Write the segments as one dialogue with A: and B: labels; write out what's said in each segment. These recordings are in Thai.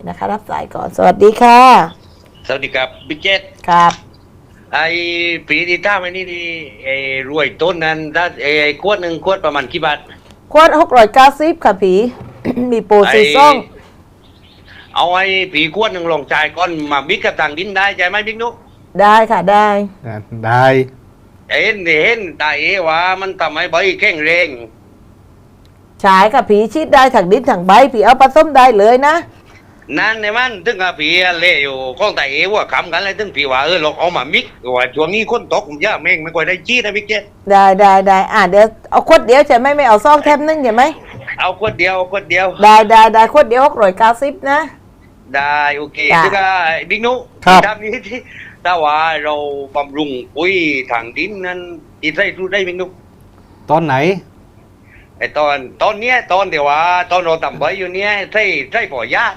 A: นะคะรับสายก่อนสวัสดีค่ะ
B: สวัสดีครับบิ๊กเจต
A: ครับ
B: ไอ้ปีที่ท่าไม่นี่ดีไอ้รวยต้นนั้นถ้าไอ้ขวดหนึ่งขวดประมาณกี่บาท
A: ขวด690ค่ะผี มีโปร
B: ไอ้
A: ซีซ่อง
B: เอาไอ้ผีขวดหนึ่งลงจ่ายก้อนมาบิ๊กกับต่างดินได้ใจไหมบิ๊กนุ๊ก
A: ได้ค่ะได้
C: ได้
B: เห็นตาเอว่ามันทำให้ใบแข็งแรง
A: ฉายค่ะผีชีดได้ถังดินถังใบผีเอาผสมได้เลยนะ
B: นั่นในมันถึงกับผีเล่อยู่ก้องตาเอว่าคำกันเลยถึงผีว่าเราเอามามิกว่าช่วงนี้คนตกย่าแม่งไม่ค่อยได้จี้นะบิ๊กเจต
A: ได้เดี๋ยวเอาขวดเดียวใช่ไหมไม่เอาซองแทมนึงใช่ไหม
B: เอาขวดเดียว
A: ได้ขวดเดียว690นะ
B: ได้โอเค
A: จ้ะ
B: ถึงกับบิ๊กนุ๊ก
C: ครับ
B: ทำนี้ที่ถ้าว่าเราบำรุงปุ๋ยทางดินนั้นอีได้รู้ได้บิ๊กนุ๊ก
C: ตอนไหน
B: ไอ้ตอนเนี้ยตอนเดี๋ยวว่าตอนเราทำไว้อยู่เนี้ยใช่ป่อยา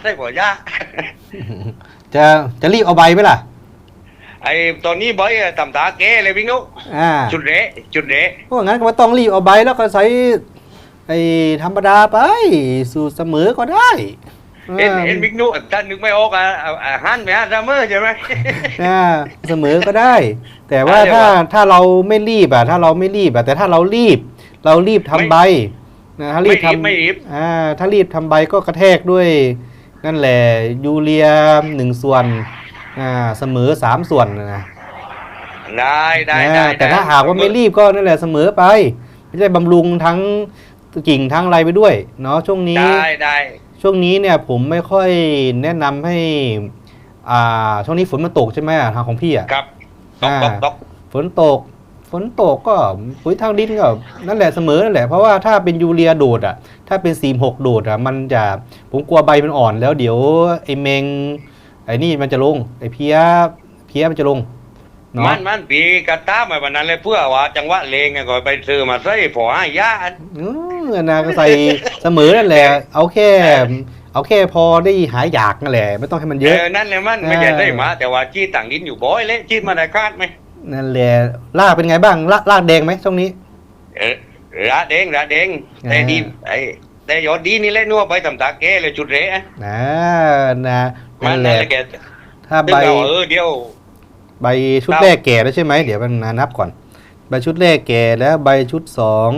C: จะรีบเอาใบไหมล่ะ
B: ไอ้ตอนนี้ใบทำตาแก่เลยพี่นุ๊ก จุดเละ
C: เพราะงั้นก็ต้องรีบเอาใบแล้วก็ใส่ไอ้ธรรมดาไปสูตรเสมอก็ได้
B: เห็นบิ๊กนุ๊กท่านนึกไม่ออกหันไปฮะซัมเมอร์ใช่ไหม
C: เสมอก็ได้ แต่ว่า
B: อะไรวะ
C: ถ้าเราไม่รีบแต่ถ้าเรารีบทำใบนะถ้ารีบทำ
B: ไม่รีบ
C: ถ้ารีบทำใบก็กระแทกด้วยนั่นแหละยูเรีย1 ส่วนเสมอ3 ส่วนนะ
B: ได้
C: แต่ถ้าหากว่าไม่รีบก็นั่นแหละเสมอไปไม่ใช่บำรุงทั้งกิ่งทั้งอะไรไปด้วยเนาะช่วงนี้
B: ได้
C: ช่วงนี้เนี่ยผมไม่ค่อยแนะนำให้ช่วงนี้ฝนมันตกใช่ไหมทางของพี่อ่ะ
B: ครับตก
C: ฝนตกก็ปุ๋ยทางดินก็นั่นแหละเสมอนั่นแหละเพราะว่าถ้าเป็นยูเรียโดดอ่ะถ้าเป็น46โดดอ่ะมันจะผมกลัวใบมันอ่อนแล้วเดี๋ยวไอ้เมงไอ้นี่มันจะลงไอ้เพี้ยมันจะลงเนาะ
B: มันปีกระต้ามาวันนั้นเลยเพื่อว่าจังหวะเลงไงก็ไปซื้อมาใส่ผอให้ยา
C: นะก็ใส่เสมอนั่นแหละเอาแค่พอได้หายอยากนั่นแหละไม่ต้องให้มันเยอะ
B: นั่นเลยมันไม่ใช่ได้มาแต่ว่าจี้ต่างดินอยู่บ่อยเลยจี้มาได้คาดไหม
C: นั่นแหละรากเป็นไงบ้างรากแดงไหมช่วงนี้
B: ระเด้งแต่ดีแต่ยอดดีนี่แหละนัวไปทำตาแก่เลยจุดเละ
C: นะ
B: มัน
C: นั่นแห
B: นั่น
C: ละ
B: แหละแก
C: ถ้าใบ
B: เดียว
C: ใบชุดแรกแก่แล้วใช่ไหมเดี๋ยวมันนับก่อนใบชุดแรกแก่แล้วใบชุด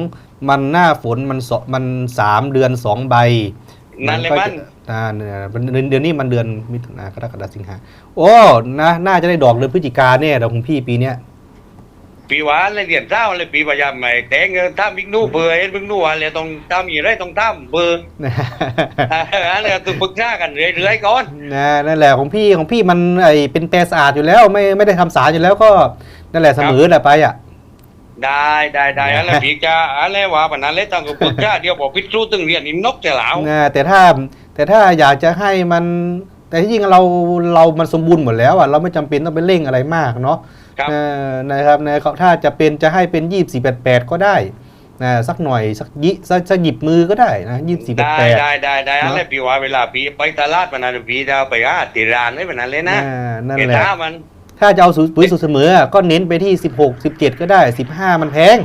C: 2มันหน้าฝนมัน3 เดือน2 ใบ
B: นั่นเลยมัน
C: เดือนนี้มันเดือนมิถุนายนกรกฎาคมสิงหาโอ้น่าจะได้ดอกเดือนพฤศจิกาแน่ดอกของพี่ปีเนี้ย
B: ปีหวานเลยเรียนเช้าเลยปีพยายามใหม่แต่งถ้าบิ๊กนู่เบอร์เห็นบิ๊กนู่อะไรต้องทำอย่างไรต้องทำเบอร์อะไรต้องปรึกษากันเรื่อยๆก่อน
C: นั่นแหละของพี่มันเป็นแปรสะอาดอยู่แล้วไม่ได้ทำสารอยู่แล้วก็นั่นแหละเสมอแหละไปอ่ะ
B: ได้อะไรพี่จะอะไรวะปนั้นเลยต้องปรึกษาเดี๋ยวบอกพิจรู้ตึงเรียนนี่นกจะเหลา
C: แต่ถ้าอยากจะให้มันแต่ที่จริงมันสมบูรณ์หมดแล้วอ่ะเราไม่จำเป็นต้องไปเร่งอะไรมากเนาะนะครับถ้าจะให้เป็น2488ก็ได้สักหน่อยสักหยิบมือก็ได้นะ2488
B: ได้อะไรพี่ว่าเวลาพี่ไปตลาดปนั้นพี่จะไปติร้านไม่ปนั้นเลยนะ
C: นั่นแหละ
B: มัน
C: ถ้าจะเอาปุ๋ยสูตรเสมอก็เน้นไปที่16 17ก็ได้15มันแพง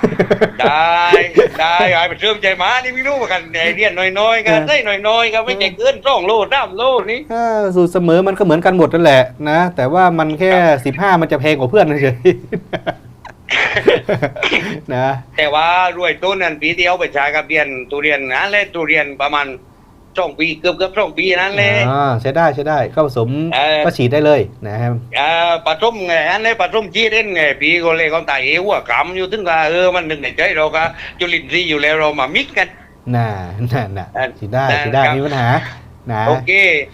B: ได้ไปเชื่อมใจมานี่ไม่รู้กันไอเดียนน้อยๆกันได้น้อยๆกันไม่ใช่เกิน2 โล3 โลนี่
C: สูตรเสมอมันก็เหมือนกันหมดนั่นแหละนะแต่ว่ามันแค่15มันจะแพงกว่าเพื่อนเฉยๆ นะ
B: แต่ว่ารวยต้นนั้นปีเดียวไปใช้กับเรียนทุเรียนนะและทุเรียนประมาณ2 ปีเกือบ2 ปีนั้นเลย
C: ใช้ได้ก็ผสมก็ฉีดได้เลยนะครับ
B: ปฐมไงอันนี้ปฐมจีเด่นไงปีก็เลยเขาตายหัวกำอยู่ถึงว่ามันหนึ่งในใจเราก็จุลินทรีย์อยู่แล้วเรามามิกกัน
C: ฉีดได้มีปัญหานะ
B: โอเค